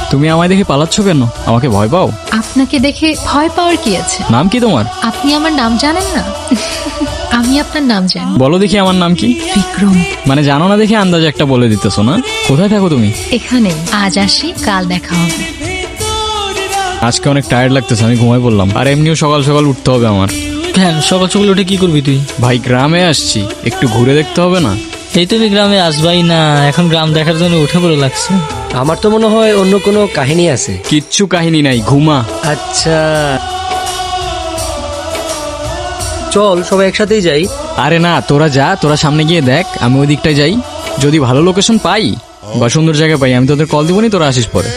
তুমি আমায় দেখে পালাচ্ছ কেন? আমাকে ভয় পাও? আপনাকে দেখে ভয় পাওয়ার কি আছে? নাম কি তোমার? আপনি আমার নাম জানেন না? আমি আপনার নাম জানি। বলো দেখি আমার নাম কি? বিক্রম। মানে জানো না দেখে আন্দাজে একটা বলে দিতেছো না? কোথায় থাকো তুমি? এখানে আজ আসি, কাল দেখা হবে। আজকে অনেক টায়ার্ড লাগতেছে, আমি ঘুমাই পড়লাম। আর এমনিও সকাল সকাল উঠতে হবে আমার। কেন সকাল সকাল উঠে কি করবি তুই? ভাই গ্রামে আসছি, একটু ঘুরে দেখতে হবে না? এই তুমি গ্রামে আসবাই না, এখন গ্রাম দেখার জন্য উঠে পড়ে লাগছে। আমার তো মনে হয় অন্য কোনো কাহিনী আছে। কিচ্ছু কাহিনী নাই, ঘুমা। আচ্ছা চল সবাই একসাথেই যাই। আরে না, তোরা যা, তোরা সামনে গিয়ে দেখ, আমি ওই দিকটায় যাই। যদি ভালো লোকেশন পাই বা সুন্দর জায়গা পাই, আমি তোদের কল দিবনি, তোরা আসিস পরে।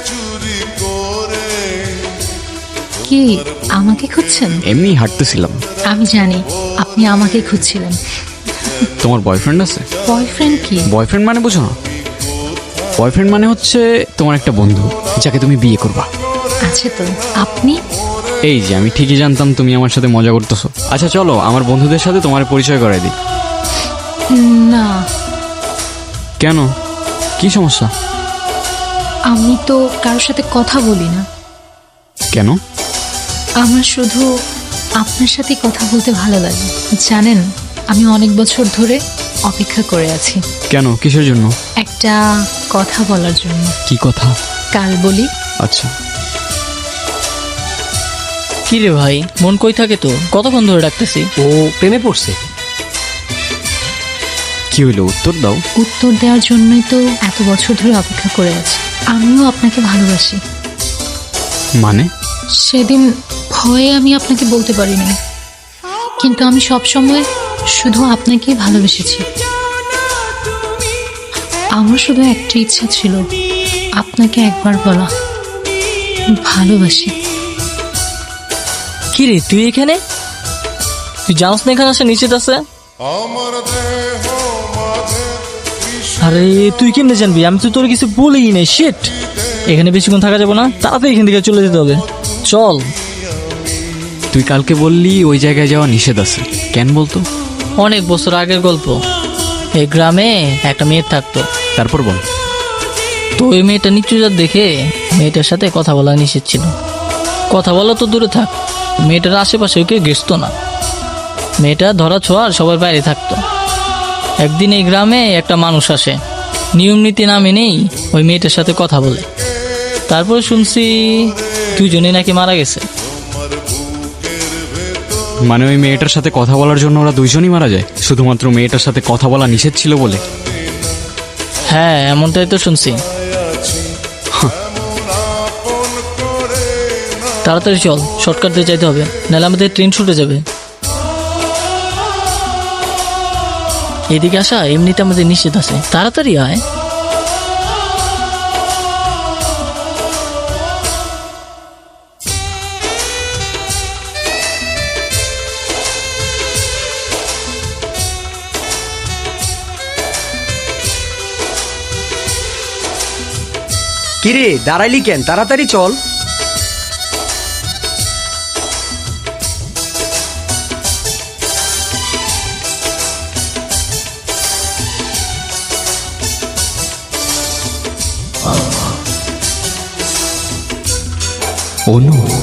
কি আমাকে খুঁজছেন? এমনি হাঁটতেছিলাম। আমি জানি আপনি আমাকে খুঁজছিলেন। তোমার বয়ফ্রেন্ড আছে? বয়ফ্রেন্ড কি? বয়ফ্রেন্ড মানে বুঝো না? বয়ফ্রেন্ড মানে হচ্ছে তোমার একটা বন্ধু, যাকে তুমি বিয়ে করবা। আছে তো। আপনি? এই যে আমি ঠিকই জানতাম তুমি আমার সাথে মজা করতেছো। আচ্ছা চলো আমার বন্ধুদের সাথে তোমার পরিচয় করাই দিই। না। কেন, কি সমস্যা? আমি তো কারোর সাথে কথা বলি না। কেন? আমার শুধু আপনার সাথে কথা বলতে ভালো লাগে। জানেন, আমি অনেক বছর ধরে অপেক্ষা করে আছি। কেন, কিসের জন্য? একটা কথা বলার জন্য। কি কথা? কাল বলি। আচ্ছা। কি রে ভাই, মন কই থাকে তো? কতক্ষণ ধরে ডাকতেছি। ও প্রেমে পড়ছে। কি হইলো, উত্তর দাও। উত্তর দেওয়ার জন্যই তো এত বছর ধরে অপেক্ষা করে আছি। আমিও আপনাকে ভালোবাসি। মানে? সেদিন ভয়ে আমি আপনাকে বলতে পারিনি, কিন্তু আমি সব সময় শুধু আপনাকেই ভালোবেসেছি। আমার শুধু একটা ইচ্ছা ছিল, আপনাকে একবার বলা ভালোবাসি। কি রে তুই এখানে? তুই জানোস না এখানে আসে নিশ্চিত আছে? আরে তুই কেমনে জানবি? আমি তো তোর কিছু বলেই নাই। শিট, এখানে বেশিক্ষণ থাকা যাবে না, তাড়াতাড়ি এখান থেকে চলে যেতে হবে। চল। তুই কালকে বললি ওই জায়গায় যাওয়া নিষেধ আছে, কেন বলতো? অনেক বছর আগের গল্প। এই গ্রামে একটা মেয়ে থাকতো। তারপর বল। তো ওই মেয়েটা নিচু জাত দেখে মেয়েটার সাথে কথা বলা নিষেধ ছিল। কথা বলা তো দূরে থাক, মেয়েটার আশেপাশে কেউ ঘেসতো না। মেয়েটা ধরা ছোঁয়ার সবার বাইরে থাকতো। একদিন এই গ্রামে একটা মানুষ আসে, নিয়ম নীতি না মেনেই ওই মেয়েটার সাথে কথা বলে। তারপরে শুনছি দুজনেই নাকি মারা গেছে। মানে ওই মেয়েটার সাথে কথা বলার জন্য ওরা দুইজনই মারা যায়, শুধুমাত্র মেয়েটার সাথে কথা বলা নিষেধ ছিল বলে? হ্যাঁ, এমনটাই তো শুনছি। তাড়াতাড়ি চল, শর্টকাট দিয়ে যাইতে হবে, নাহলে আমাদের ট্রেন ছুটে যাবে। এদিকে আসা এমনিতে আমাদের নিষেধ আছে, তাড়াতাড়ি আয়। কিরে দাঁড়াইলি কেন? তাড়াতাড়ি চল। অনু